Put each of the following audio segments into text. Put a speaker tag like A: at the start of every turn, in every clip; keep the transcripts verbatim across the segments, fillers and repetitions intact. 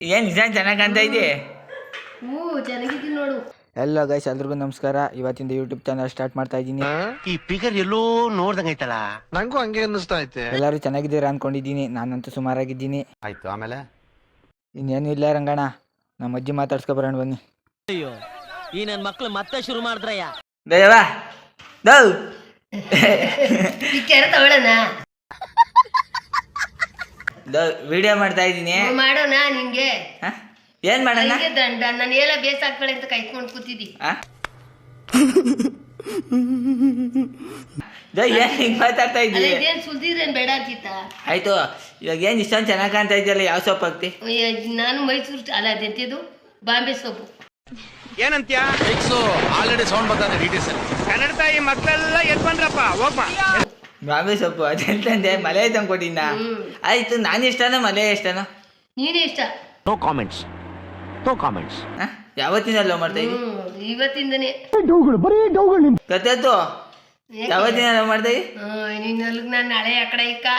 A: ಏನು ನಿಜ ಚೆನ್ನಾಗಿ ಕಾಣ್ತಾ ಇದೆ.
B: ಹ್ಞೂ ಚೆನ್ನಾಗಿದ್ದೀನಿ ನೋಡು.
A: ಎಲ್ಲ ಗೈಸ್ ಎಲ್ರಿಗೂ ನಮಸ್ಕಾರ. ಇವತ್ತಿಂದ ಯೂಟ್ಯೂಬ್ ಚಾನಲ್ ಸ್ಟಾರ್ಟ್ ಮಾಡ್ತಾ ಇದ್ದೀನಿ.
C: ಈ ಫಿಗರ್ ಎಲ್ಲೋ ನೋಡ್ದಂಗೈತಲ್ಲ,
D: ನಂಗೂ ಹಂಗೆ ಅನ್ನಿಸ್ತಾ ಐತೆ.
A: ಎಲ್ಲರೂ ಚೆನ್ನಾಗಿದ್ದೀರಾ ಅನ್ಕೊಂಡಿದ್ದೀನಿ. ನಾನಂತೂ ಸುಮಾರಾಗಿದ್ದೀನಿ.
D: ಆಯ್ತು, ಆಮೇಲೆ
A: ಇನ್ನೇನು ಇಲ್ಲ ರಂಗಣ್ಣ, ನಮ್ಮ ಅಜ್ಜಿ ಮಾತಾಡ್ಸ್ಕೊ ಬರೋಣ ಬನ್ನಿ.
E: ಅಯ್ಯೋ ಈ ನನ್ನ ಮಕ್ಳು ಮತ್ತೆ ಶುರು ಮಾಡಿದ್ರಯ್ಯ.
A: ದಯವಾ ದೌ
B: ಈ ಕೆರೆ ತಗೊಳ್ಳೋಣ,
A: ದೌ ವಿಡಿಯೋ ಮಾಡ್ತಾ ಇದ್ದೀನಿ.
B: ಮಾಡೋಣ. ನಿಂಗೆ
A: ಏನ್ ಮಾಡೋಣ?
B: ಹಂಗೆ ದಂಡ ನಾನು ಎಲ್ಲ ಬೇಸಾಕ್ಬೇಳೆ ಅಂತ ಕೈಕೊಂಡು ಕೂತಿದ್ದಿ.
A: ಏನ್ ಹಿಂಗ್ ಮಾತಾಡ್ತಾ
B: ಅಲ್ಲ
A: ಇದ್ದೀನಿ?
B: ಇದೇನು ಸುಲ್ದಿದ್ರೇನು ಬೇಡ ಅಂತಿತ್ತ?
A: ಆಯ್ತು, ಇವಾಗ ಏನ್ ಇಷ್ಟೊಂದು ಚೆನ್ನಾಗಿ ಕಾಣ್ತಾ ಇದೆಯಲ್ಲ, ಯಾವ ಸೊಪ್ಪು ಹಾಕ್ತಿ?
B: ನಾನು ಮೈಸೂರು ಅಲ್ಲ ಅದೆಂತಿದ್ದು ಬಾಂಬೆ ಸೊಪ್ಪು.
D: ಏನಂತ್ಯ ಆಲ್ರೆಡಿ ಸೌಂಡ್ ಬರ್ತಾನೆ ಡಿಟೇಲ್ಸ್ ಅಲ್ಲಿ. ಕನ್ನಡ ತಾಯಿ ಮಕ್ಕಳೆಲ್ಲ ಎದ್ ಬಂದ್ರಪ್ಪ, ಹೋಗ್ಬಾ.
A: ಬಾಂಬೆ ಸೊಪ್ಪು ಅದೆಂತಂದೆ ಮಲೆ ತಂದು ಕೊಟ್ಟಿದ್ದ. ಆಯ್ತು, ನಾನು ಇಷ್ಟನೋ ಮಲೆ ಇಷ್ಟನೋ?
B: ನೀನೇ ಇಷ್ಟ.
C: No comments, no comments.
A: ಯಾವತ್ತಿನ ಲವ್ ಮಾಡ್ತಾ ಇದ್ದಿ?
B: ಹ್ಮ್ ಇವತ್ತಿಂದನೇ
A: ಗೊತ್ತಾಯ್ತು. ಯಾವತ್ತಿನ ಲವ್ ಮಾಡ್ತಾ ಇದ್ದಿ?
B: ನೀನ್ ಅಲ್ಲಿಗೆ ನಾನು ನಾಳೆ ಆ ಕಡೆ ಇಕ್ಕ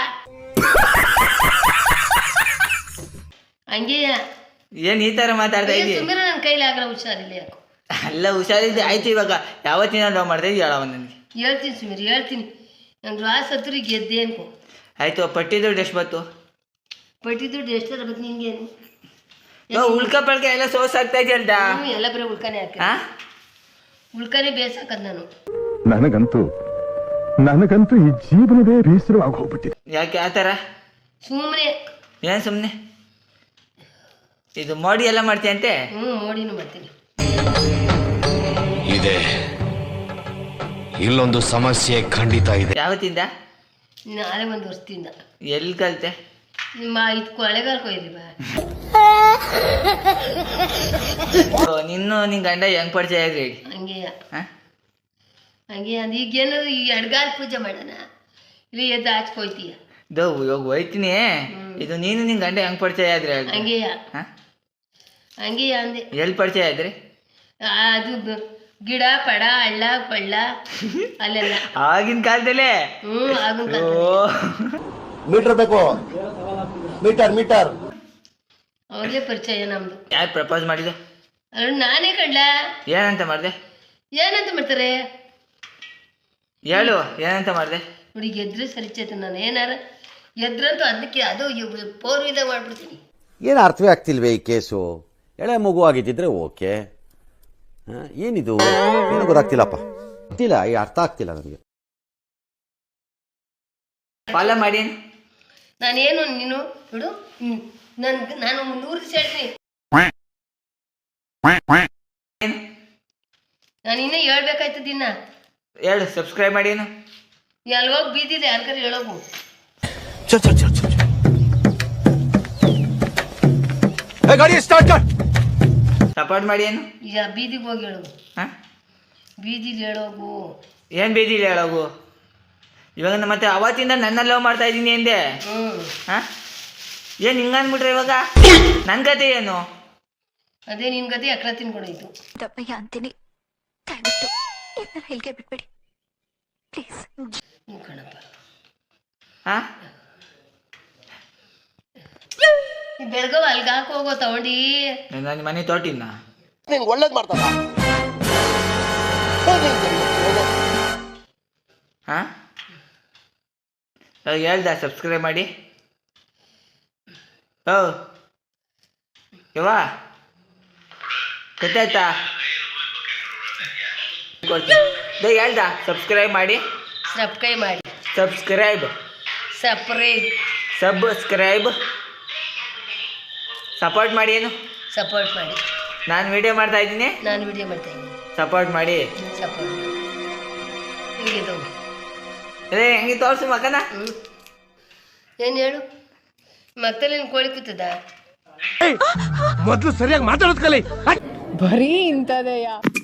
B: ಹಂಗೆ
A: ಏನ್ ಈ ತರ ಮಾತಾಡ್ತಾ ಇದ್ದಿ?
B: ಸುಮ್ಮನೆ ನನ್ನ ಕೈಲಿ ಆಗಲ್ಲ, ಹುಷಾರಿಲ್ಲ ಯಾಕೋ.
A: ಅಲ್ಲ ಹುಷಾರಿದ್ದೆ. ಆಯ್ತು, ಇವಾಗ ಯಾವತ್ತಿನ ಲವ್ ಮಾಡ್ತಾ ಇದ್ದಿ ಹೇಳವ ನನಗೆ.
B: ಹೇಳ್ತೀನಿ ಸುಮೀರ್, ಹೇಳ್ತೀನಿ. ನಂಗೆ ರಾಸ್ ಹತ್ರ ಗೆದ್ದೆ ಅನ್ಕೋ.
A: ಆಯ್ತು, ಪಟ್ಟಿ ದುಡ್ಡು ಎಷ್ಟು ಬಂತು?
B: ಪಟ್ಟಿ ದುಡ್ಡು ಎಷ್ಟರ ಬತ್ತು ನಿಂಗೇನು?
A: ಉಳ್ಕ ಪಳ್ಕ ಎಲ್ಲ ಸೋಸ್ ಆಗ್ತಾ ಇದೆಯಲ್ದ.
B: ಹ್ಞೂ ಎಲ್ಲ ಬರೀ ಉಳ್ಕಾನೆ ಹಾಕಿ ಉಳ್ಕಾನೆ ಬೇಸಾಕದ್ ನಾನು.
F: ನನಗಂತೂ ನನಗಂತೂ ಈ ಜೀವನವೇ ಬೇಸರವಾಗಿ ಹೋಗ್ಬಿಟ್ಟಿದೆ.
A: ಯಾಕೆ ಆ ಥರ?
B: ಸುಮ್ಮನೆ
A: ಏನು ಸುಮ್ಮನೆ? ಇದು ಮೋಡಿ ಎಲ್ಲ ಮಾಡ್ತೀಯಂತೆ?
B: ಹ್ಞೂ ಮೋಡಿನೂ ಮಾಡ್ತೀನಿ.
G: ಇದೆ, ಇಲ್ಲೊಂದು ಸಮಸ್ಯೆ ಖಂಡಿತ ಇದೆ.
A: ಯಾವತ್ತಿಂದ?
B: ನಾಳೆ ಒಂದು ವರ್ಷದಿಂದ.
A: ಎಲ್ಲಿ ಕಲಿತೆ?
B: ನಿಮ್ಮ ಇದು ಕೊಳೆಗಾಲ ಕೊಯ್ರಿ ಬಾ.
A: ನಿನ್ನು ನಿನ್ ಗಂಡ ಹೆಂಗ್ ಪರಿಚಯ ಆದ್ರಿ?
B: ಹಂಗೆ ಹಂಗೆ ಅಂದ ಈಗ ಏನಾದ್ರು ಈ ಅಡ್ಗಾಲ ಪೂಜೆ ಮಾಡೋಣ, ಇಲ್ಲಿ ಎದ್ದು ಹಚ್ಕೊಯ್ತೀಯ.
A: ದೋ ಇವಾಗ ಹೋಯ್ತೀನಿ. ಇದು ನೀನು ನಿನ್ ಗಂಡ ಹೆಂಗ್ ಪರಿಚಯ ಆದ್ರಿ?
B: ಹಂಗೆಯ ಹಂಗೆಯ ಅಂದೆ.
A: ಎಲ್ಲಿ ಪರಿಚಯ ಆದ್ರಿ?
B: ಅದು ಬ- ಗಿಡ ಪಡ ಹಳ್ಳ ಕೊಳ್ಳ ಅಲ್ಲೆಲ್ಲ.
A: ಆಗಿನ ಕಾಲದಲ್ಲೇ?
B: ಹ್ಞೂ ಆಗಿನ
C: ಮೀಟರ್ ಬೇಕು, ಮೀಟರ್ ಮೀಟರ್.
B: ಅವ್ರಿಗೆ ಪರಿಚಯ ನಮ್ದು.
A: ಯಾರು ಪ್ರಪೋಸ್ ಮಾಡಿದ್ದು?
B: ಅಲ್ಲ ನಾನೇ ಕಡ್ಲ.
A: ಏನಂತ ಮಾಡಿದೆ?
B: ಏನಂತ ಮಾಡ್ತಾರೆ
A: ಹೇಳು, ಏನಂತ ಮಾಡಿದೆ?
B: ನೋಡಿ ಗೆದ್ರೆ ಸರಿಚೈತೆ. ನಾನು ಏನಾರ ಗೆದ್ರಂತೂ ಅದಕ್ಕೆ ಅದು ಪೋರ್ ವಿಧ ಮಾಡ್ಬಿಡ್ತೀನಿ.
H: ಏನು ಅರ್ಥವೇ ಆಗ್ತಿಲ್ವೇ ಈ ಕೇಸು? ಎಳೆ ಮಗು ಆಗಿದ್ದಿದ್ರೆ ಓಕೆ, ಏನಿದು ಏನು ಗೊತ್ತಾಗ್ತಿಲ್ಲಪ್ಪ, ಗೊತ್ತಿಲ್ಲ, ಈ ಅರ್ಥ ಆಗ್ತಿಲ್ಲ ನನಗೆ.
A: ಫಾಲೋ ಮಾಡಿ.
B: ನಾನೇನು ನೀನು ಬಿಡು. ನನ್ ನಾನು ನೂರು ದಿವಸ ಹೇಳ್ತೀನಿ. ನಾನು ಇನ್ನೂ ಹೇಳ್ಬೇಕಾಯ್ತದ ಇನ್ನ.
A: ಹೇಳು, ಸಬ್ಸ್ಕ್ರೈಬ್ ಮಾಡಿ. ಏನು
B: ಎಲ್ಗೋಗಿ ಬೀದಿದೆ ಯಾರ್ಗಾರು ಹೇಳೋಗು.
D: ಗಾಡಿ ಸ್ಟಾರ್ಟ್ ಕಟ್.
A: ಸಪೋರ್ಟ್ ಮಾಡಿ. ಏನು
B: ಈಗ ಬೀದಿಗೆ ಹೋಗಿ ಹೇಳೋಗು.
A: ಹಾಂ,
B: ಬೀದಿಲಿ ಹೇಳೋಗು.
A: ಏನು ಬೀದಿಲಿ ಹೇಳೋಗು? ಇವಾಗ ಮತ್ತೆ ಅವತ್ತಿಂದ ನನ್ನ ಲವ್ ಮಾಡ್ತಾ ಇದ್ದೀನಿ ಎಂದೆ.
B: ಹ್ಞೂ
A: ಹಾಂ, ಏನು ಹಿಂಗೆ ಅಂದ್ಬಿಟ್ರೆ ಇವಾಗ ನನ್ನ ಕತೆ ಏನು?
B: ಅದೇ ನಿನ್ ಗತಿ ಅಕ್ರ ತಿನ್ಕೊಡೋಯ್ತು.
I: ದಪ್ಪಯ್ಯ ಅಂತೀನಿ, ದಯವಿಟ್ಟು ಇದನ್ನ ಹೇಳಿಕೆ ಬಿಟ್ಬಿಡಿ ಪ್ಲೀಸ್.
B: ಹ್ಞೂ ಕಣಪ್ಪ.
A: ಹಾಂ,
B: ಬೆಳಗಾವ್ ಅಲ್ಗ ಹಾಕಿ ಹೋಗೋ ತಗೊಂಡಿ.
A: ನನ್ನ ಮನೆ ತೋಟಿನ
C: ನಿಂಗೆ ಒಳ್ಳೇದು ಮಾಡ್ತಾರ.
A: ಹಾಂ, ಹೇಳ್ದ ಸಬ್ಸ್ಕ್ರೈಬ್ ಮಾಡಿ. ಓ ಯವ್ವಾ ಗೊತ್ತಾಯ್ತಾ? ಕೊಡ್ತೀನಿ. ಹೇಳ್ದ ಸಬ್ಸ್ಕ್ರೈಬ್ ಮಾಡಿ.
B: ಸಬ್ಸ್ಕ್ರೈಬ್ ಮಾಡಿ.
A: ಸಬ್ಸ್ಕ್ರೈಬ್
B: ಸಪ್ರೇಟ್
A: ಸಬ್ಸ್ಕ್ರೈಬ್ ಸಪೋರ್ಟ್ ಮಾಡಿ. ಏನು
B: ಸಪೋರ್ಟ್ ಮಾಡಿ.
A: ನಾನು ವಿಡಿಯೋ ಮಾಡ್ತಾ ಇದ್ದೀನಿ,
B: ನಾನು ವಿಡಿಯೋ ಮಾಡ್ತಾ ಇದ್ದೀನಿ.
A: ಸಪೋರ್ಟ್ ಮಾಡಿ.
B: ಸಪೋರ್ಟ್ ಮಾಡಿ. ಹೀಗೆ ತಗೋ.
A: ಅದೇ ಹೆಂಗೆ ತೋರಿಸು ಮಗನ.
B: ಹ್ಞೂ ಏನು ಹೇಳು? ಮಕ್ಕಳಲ್ಲಿ ಕೋಳಿ ಕೂತದ?
D: ಮೊದಲು ಸರಿಯಾಗಿ ಮಾತಾಡೋದ್ ಕಲಿ.
J: ಬರೀ ಇಂಥದೆಯಾ?